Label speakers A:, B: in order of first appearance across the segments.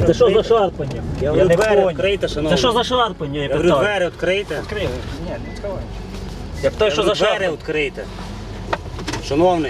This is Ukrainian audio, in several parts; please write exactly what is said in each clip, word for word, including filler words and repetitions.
A: Це що за шарпання?
B: Я
A: Я не
B: двері
A: понял.
B: відкрийте, шановний.
A: Це що за шарпання, я
B: Я говорю,
A: питаю?
B: двері відкрийте.
A: Відкрили. Ні, не відкривай. Я питаю,
B: Я
A: що за
B: говорю, двері
A: шарпання?
B: відкрийте. Шановний.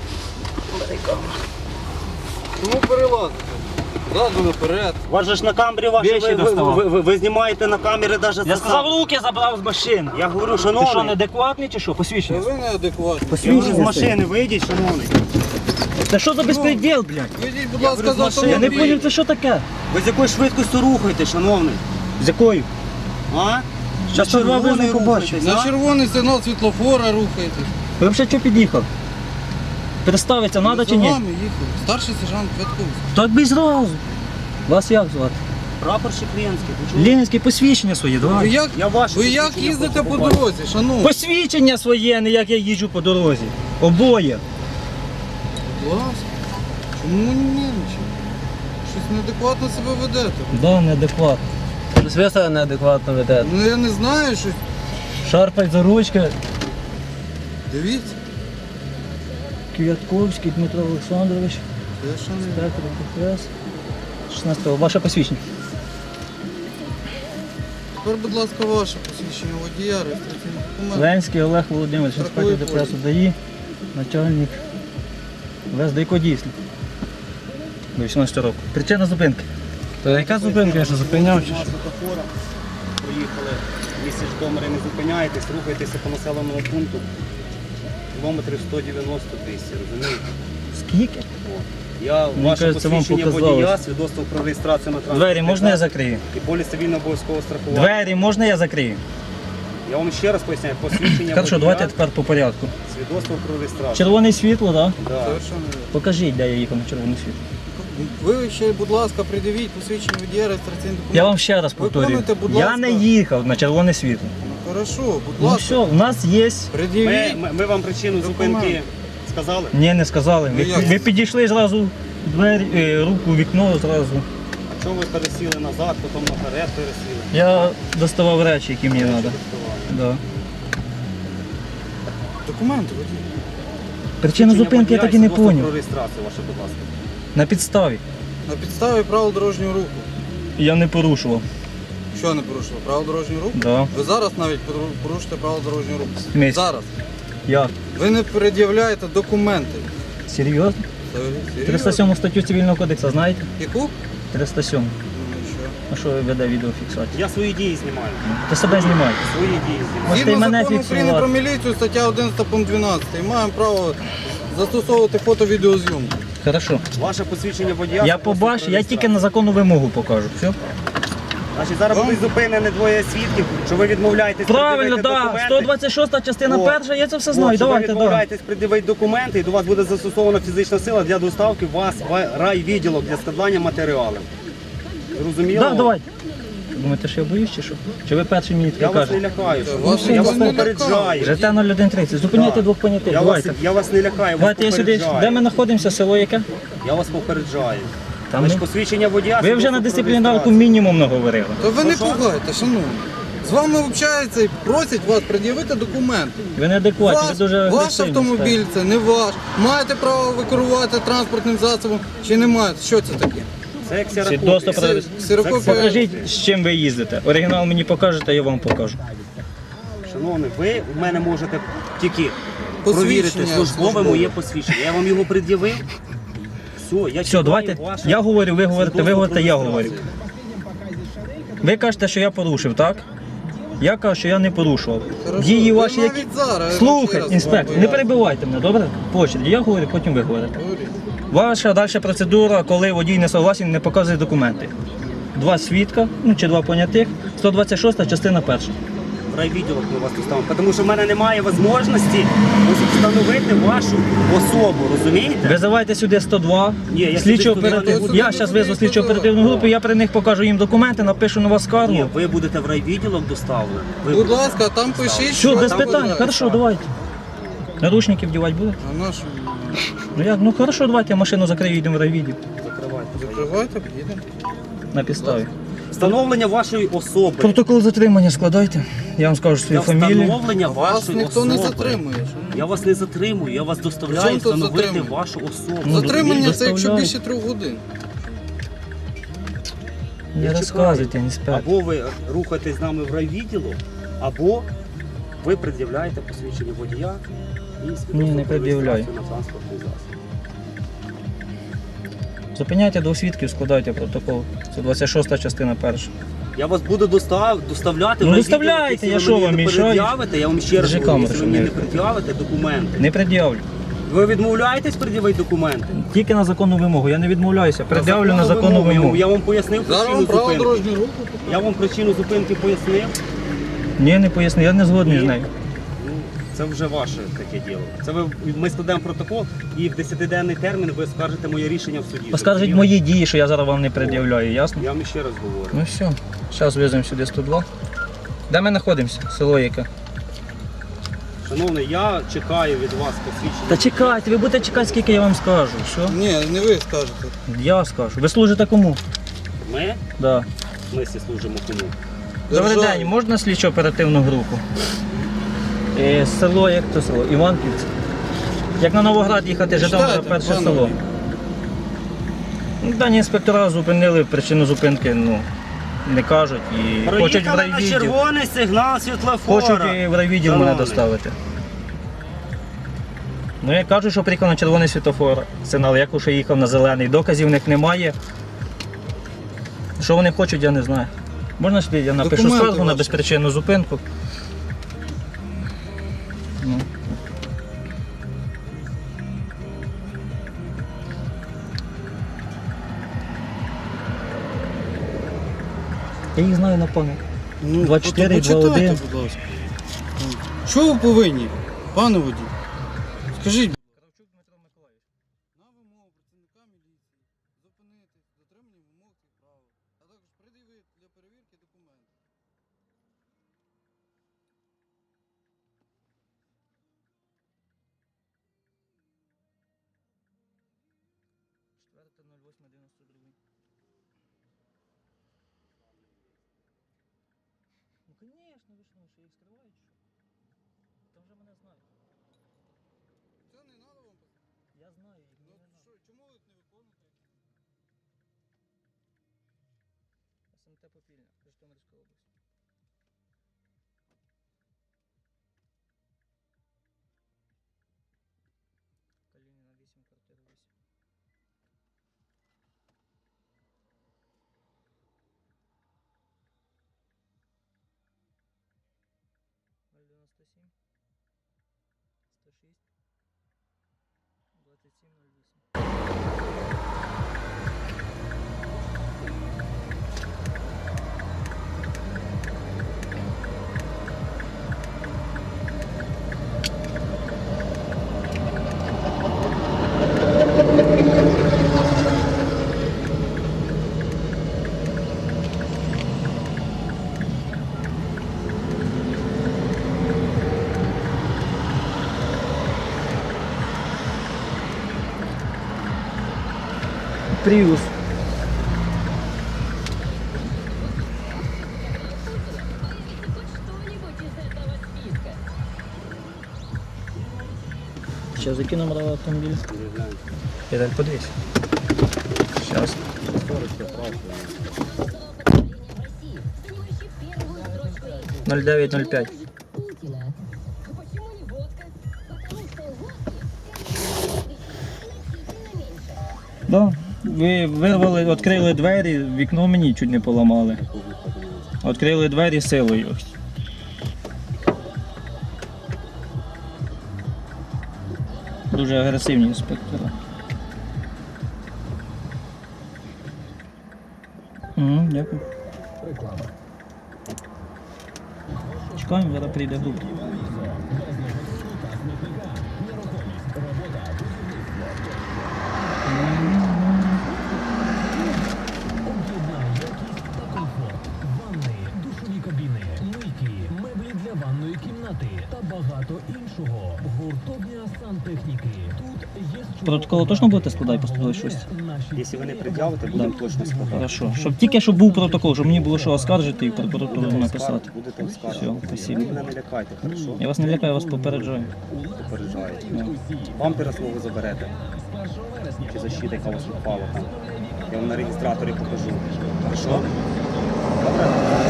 C: Чому перелазити? Ззаду наперед.
B: У вас же ж на камері ваші,
A: Вещі
B: ви, ви,
A: доставав.
B: ви, ви, ви знімаєте на камери навіть
A: Я сказав, руки забрав з машини.
B: Я говорю,
A: Ти що,
B: шановний.
A: неадекватний чи що?
C: Та
A: Посвідчення.
C: ви неадекватні.
B: Я говорю, з машини вийдіть, шановний.
A: Це що за безпреділ, блядь?
C: Вийдіть, будь
B: Я
C: ласка,
B: говорю,
C: за
B: з машини.
A: Я не
C: автомобіль.
A: поняв, це що таке?
B: Ви з якою швидкістю рухаєте, шановний?
A: З якою?
B: А?
A: Щас
B: На
A: червоний
B: червоний
A: побачиш.
B: рухаєтесь,
C: На
B: а?
C: червоний сигнал світлофора рухаєтесь.
A: Ви взагалі що під'їхав? Представиться треба чи
C: За
A: ні?
C: вами їхав. Старший сержант Квятковський.
A: Так би зразу. Вас як звати?
B: Прапорщик Ленський, ви чули?
A: Ленське посвідчення своє,
C: Ви
A: давай.
C: як,
B: Я ваше
C: ви як
B: посвідчення
C: їздите
B: хочу
C: по
B: побачити.
C: дорозі, шановні?
A: Посвідчення своє, а не як я їжджу по дорозі. Обоє.
C: Будь ласка. Чому нервничаєте? Щось неадекватно себе ведете.
A: Да, неадекватно.
D: Ви себе неадекватно ведете.
C: Ну я не знаю, щось.
A: Шарпать за ручки.
C: Дивіться.
A: Квятковський Дмитро Олександрович.
C: Я ще не...
A: Інспектор КПС. шістнадцятого. Ваше посвідчення.
C: Тепер, будь ласка, ваше посвідчення водія, реєстраційний документ.
A: Ленський Олег Володимирович,
C: Страховий
A: інспектор ДПС
C: поліс.
A: ДАІ, начальник ВСДК дійсно. До вісімнадцятого року. Причина зупинки.
D: То яка зупинка, я що зупиняв? чи що?
B: Світлофора. Проїхали місяць Житомира, не зупиняєтесь, рухайтеся по населеному пункту. Кілометрів сто дев'яносто тисяч, розумієте?
A: Скільки?
B: Я
A: Мені
B: ваше
A: кажеться, вам
B: посвідчення
A: показалось.
B: водія, свідоцтво про реєстрацію на транспорт.
A: Двері можна я закрию?
B: І поліс цивільного обов'язкового страхування.
A: Двері можна я закрию?
B: Я вам ще раз поясняю, посвідчення
A: Хорошо,
B: водія,
A: давайте тепер по порядку.
B: свідоцтво про реєстрацію.
A: Червоне світло, так? Да?
B: Да.
C: Совершенно вірно.
A: Покажіть, де я їхав на червоне світло.
C: Ви ще, будь ласка, придивіть посвідчення водія, реєстраційний документ.
A: Я вам ще раз повторюю.
C: Виконуйте, будь
A: Я
C: ласка.
A: не їхав на червоне світло.
C: Хорошо, будь
A: Ну
C: ласка.
A: все, у нас є.
B: Ми,
C: Пред'явіть.
B: ми, ми вам причину
C: Документ.
B: зупинки сказали?
A: Ні, не сказали. Ви,
C: Ну, як?
A: ви підійшли зразу двері, е, руку, вікно зразу.
B: А чого ви пересіли назад, потім наперед пересіли?
A: Я доставав речі, які мені треба. Да.
C: Документи водій.
A: Причину зупинки я так і не
B: Свідоцтво про
A: зрозумів.
B: реєстрацію ваше, будь ласка.
A: На підставі.
C: На підставі правил дорожнього руху.
A: Я не порушував.
C: Що не порушили? Правила дорожнього руху?
A: Да.
C: Ви зараз навіть пору- порушите правила дорожнього руху.
A: Місяць.
C: Зараз.
A: Я.
C: Ви не пред'являєте документи.
A: Серйозно?
C: Серйозно?
A: триста сьому статтю Цивільного кодексу знаєте?
C: Яку?
A: триста сьому.
C: Ну і що?
A: А що ви веде відеофіксацію?
B: Я свої дії знімаю.
A: Ти себе знімай.
B: Свої дії знімаю.
A: Можете і
C: Згідно
A: мене
C: закону України про
A: фіксувати.
C: міліцію, стаття одинадцята пункт дванадцятий. Маємо право застосовувати фото-відеозйомку.
A: Хорошо.
B: Ваше посвідчення водія.
A: Я побачу, я тільки на законну вимогу покажу. Все?
B: Значить, зараз
C: Вам?
B: будуть зупинені двоє свідків, що ви відмовляєтесь
A: Правильно,
B: пред'явити
A: так. Да.
B: документи.
A: сто двадцять шоста частина
B: О.
A: перша, я це все
B: От,
A: знаю.
B: що
A: Давайте,
B: ви
A: да.
B: відмовляєтесь пред'явити документи, і до вас буде застосована фізична сила для доставки вас в райвідділок для складання матеріалів. Зрозуміло?
A: Да, давайте. Думаєте, що я боюсь чи що? Чи ви перший мені
B: Я
A: таке
B: вас не
A: кажете?
B: лякаю.
C: Та
B: що
C: вас
B: ви. Я
C: ніхто
B: вас
C: не
B: попереджаю.
A: Жете нуль один тридцять. Зупиняйте
B: Да.
A: двох понятих.
B: Я вас,
A: Давайте.
B: я вас не лякаю, я вас
A: Давайте я сюди.
B: попереджаю.
A: Де ми знаходимося? Село яке?
B: Я вас попереджаю.
A: Там
B: Значить,
A: ми-
B: посвідчення водія.
A: Ви вже
B: свідоцтво
A: на
B: про
A: дисциплінарку
B: реєстрацію.
A: мінімум наговорили.
C: То ви не
B: Прошу?
C: пугайте, шановні. З вами общаються і просять вас пред'явити документи.
A: Ви неадекватні, ви
C: Ваш,
A: дуже
C: ваш
A: агресивні
C: автомобіль це не ваш. Маєте право ви керувати транспортним засобом чи не маєте? Що це таке?
B: Це як
A: Свідоцтво
B: сірокопія.
A: про
C: Це
A: реєстрацію.
C: ксерокопія.
A: Покажіть, з чим ви їздите. Оригінал мені покажете, я вам покажу.
B: Шановний, ви в мене можете тільки
C: Посвідчення
B: провірити службове
C: службове.
B: моє посвідчення. Я вам його пред'явив. Все, я
A: Все,
B: чекаю
A: давайте.
B: ваше
A: Я говорю, ви говорите, ви
B: свідоцтво
A: говорите,
B: про
A: я говорю.
B: реєстрацію.
A: Ви кажете, що я порушив, так? Я кажу, що я не порушував.
C: Хорошо.
A: Дії
C: Ви
A: ваші, які.
C: навіть зараз, я вам ще
A: Слухай,
C: раз
A: інспектор,
C: вам
A: не
C: поясню.
A: перебивайте мене, добре? По очереді. Я говорю, потім ви говорите.
C: Говоріть.
A: Ваша далі процедура, коли водій не согласен, не показує документи. Два свідка, ну чи два понятих, сто двадцять шоста частина перша.
B: В райвідділок ми вас доставимо. Тому що в мене немає можливості встановити вашу особу, розумієте?
A: Визивайте сюди сто два,
B: Ні, я
A: слідчо
B: сюди туди не
A: оперативну.
C: буду.
A: Я зараз визову слідчо оперативну групу, я при них покажу їм документи, напишу на вас
B: Ні,
A: скаргу.
B: ви будете в райвідділок доставлені. Ви
C: Будь
B: будете.
C: ласка, там пишіть.
A: Все,
C: що
A: без
C: там
A: питань,
C: буде.
A: хорошо, давайте. Наручники вдівати будете?
C: А нашу
A: Ну як, ну хорошо, давайте я машину закрию, йдемо в райвідділ.
B: Закривайте.
C: закривайте, підійдемо.
A: На підставі.
B: Встановлення вашої особи.
A: Протокол затримання складайте. Я вам скажу свою
B: Для
A: фамілію.
B: встановлення
C: Вас
B: вашої
C: ніхто
B: особи.
C: не затримує. шановні.
B: Я вас не затримую, я вас
C: Чому
B: доставляю
C: тут
B: встановити
C: затримує?
B: вашу особу.
A: Ну,
C: Затримання це якщо
A: доставляю.
C: більше трьох годин.
A: Не
B: Я
A: розказуйте,
B: чекаю.
A: інспектор.
B: Або ви рухаєтесь з нами в райвідділу, або ви пред'являєте посвідчення водія і свідоцтво
A: Ні, не
B: про
A: пред'являю.
B: реєстрацію на транспортний засіб.
A: Зупиняйте двох свідків, складайте протокол. Це двадцять шоста частина перша.
B: Я вас буду достав, доставляти
A: Ну,
B: в райвідділ,
A: доставляйте,
B: якщо
A: я
B: ви
A: що,
B: мені
A: вам
B: не
A: мішаю?
B: пред'явите, я вам ще раз
A: Держи
B: говорю,
A: камеру,
B: якщо
A: щоб
B: ви мені
A: не-
B: не пред'явите документи.
A: Не пред'явлю.
B: Ви відмовляєтесь пред'явити документи?
A: Тільки на законну вимогу. Я не відмовляюся. Пред'явлю на законну
B: вимогу.
A: вимогу.
B: Я вам пояснив
C: Зараз
B: причину
C: вам право
B: зупинки.
C: дорожнього руху.
B: Я вам причину зупинки пояснив.
A: Ні, не поясню, я не згодний
B: Ні.
A: з нею.
B: Ну, це вже ваше таке діло. Це ви, ми складемо протокол і в десятиденний термін ви скажете моє рішення в суді.
A: Поскажіть
B: Зрозуміло?
A: мої дії, що я зараз вам не пред'являю, ясно?
B: Я вам ще раз говорю.
A: Ну все, зараз веземо сюди сто два. Де ми знаходимося? Село яке?
B: Шановний, я чекаю від вас посвідчення.
A: Та чекайте, ви будете чекати, скільки я вам скажу. Все?
C: Ні, не ви скажете.
A: Я скажу. Ви служите кому?
B: Ми?
A: Да.
B: В смислі служимо кому?
A: Добрий
C: Державі.
A: день, можна слідчо оперативну групу? Е, село, як то село? Іванківці. Як на Новоград їхати, Житомир,
C: Читайте,
A: перше
C: пане
A: село.
C: водій.
A: Ну, дані інспектора зупинили, причину зупинки ну, не кажуть і хочуть в
B: Проїхали на
A: райвідділ.
B: червоний сигнал світлофора.
A: Хочуть і в райвідділ мене
B: Шановний.
A: доставити. Ну я кажу, що приїхав на червоний світлофор. Сигнал, як уже їхав на зелений. Доказів в них немає. Що вони хочуть, я не знаю. Можна сюди, я напишу
C: Документи
A: скаргу на
C: ваші.
A: безпричинну зупинку. Ну. Я їх знаю на пам'ять.
C: Ну,
A: два чотири,
C: то
A: два один.
C: почитайте, будь ласка. Що ви повинні, пане водій? Скажіть. На вимогу працівника міліції зупинити дотримання вимог і правил, а також пред'явити для перевірки документи.
A: Ну, звісно, ви що, що їх скривають, що? Там вже мене знають.
C: Це не треба вам.
A: Я знаю їх,
C: Ну,
A: мені не
C: що,
A: надо.
C: чому ви не виконуєте?
A: СМТ Попільня, Житомирська область. Калініна вісім, квартира вісім. ноль дев'яносто сім, сто шість, двадцять сім ноль вісім. Приус.
E: Что-нибудь из этого списка.
A: Сейчас закину номер автомобиля.
B: Перегляньте.
A: Педаль подвесь. Сейчас.
E: Занимающий первую строчку рейтинга.
A: ноль дев'ять ноль п'ять.
E: Путина. Почему не водка? Потому что водки значительно меньше.
A: Да. Ви вирвали, відкрили двері, вікно мені чуть не поламали. Відкрили двері силою. Дуже агресивні інспектори. Угу, дякую. Чекаємо, зараз прийде група.
F: Ванни, душові кабіни, мийки, меблі для ванної кімнати та багато іншого. Гуртовня сантехніки. Тут є з чого
A: Протокол точно будете складати по сто двадцять шість?
F: наші
B: Якщо ви не пред'явите, будемо точно складати.
A: Хорошо. Щоб тільки щоб був протокол, щоб мені було що оскаржити і прокуратуру
B: Будете
A: написати.
B: оскаржувати, Будете оскаржувати.
A: Все, спасибо.
B: Ви мене не лякайте, хорошо?
A: Я вас не лякаю, я вас попереджаю.
B: Попереджаєте.
A: Ну.
B: Бампера свого заберете. Чи защита, яка у вас впала там. Я вам на реєстраторі покажу. Хорошо? Добре?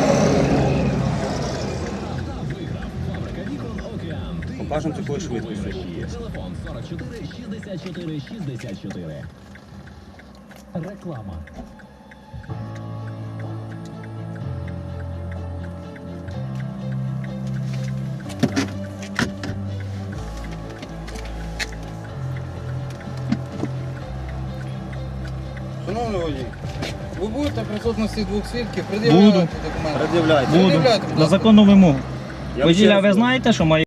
B: Покажемо з якою швидкістю.
F: телефон сорок чотири шістдесят чотири шістдесят чотири. Реклама.
C: Шановний водій, ви будете в присутності двох свідків пред'являти
A: Буду.
C: документи?
B: Пред'являйте.
A: Буду.
C: Пред'являйте, будь
A: На
C: ласка.
A: законну вимогу.
B: Я вам ще
A: Воділя,
B: раз
A: ви
B: говорю.
A: знаєте, що має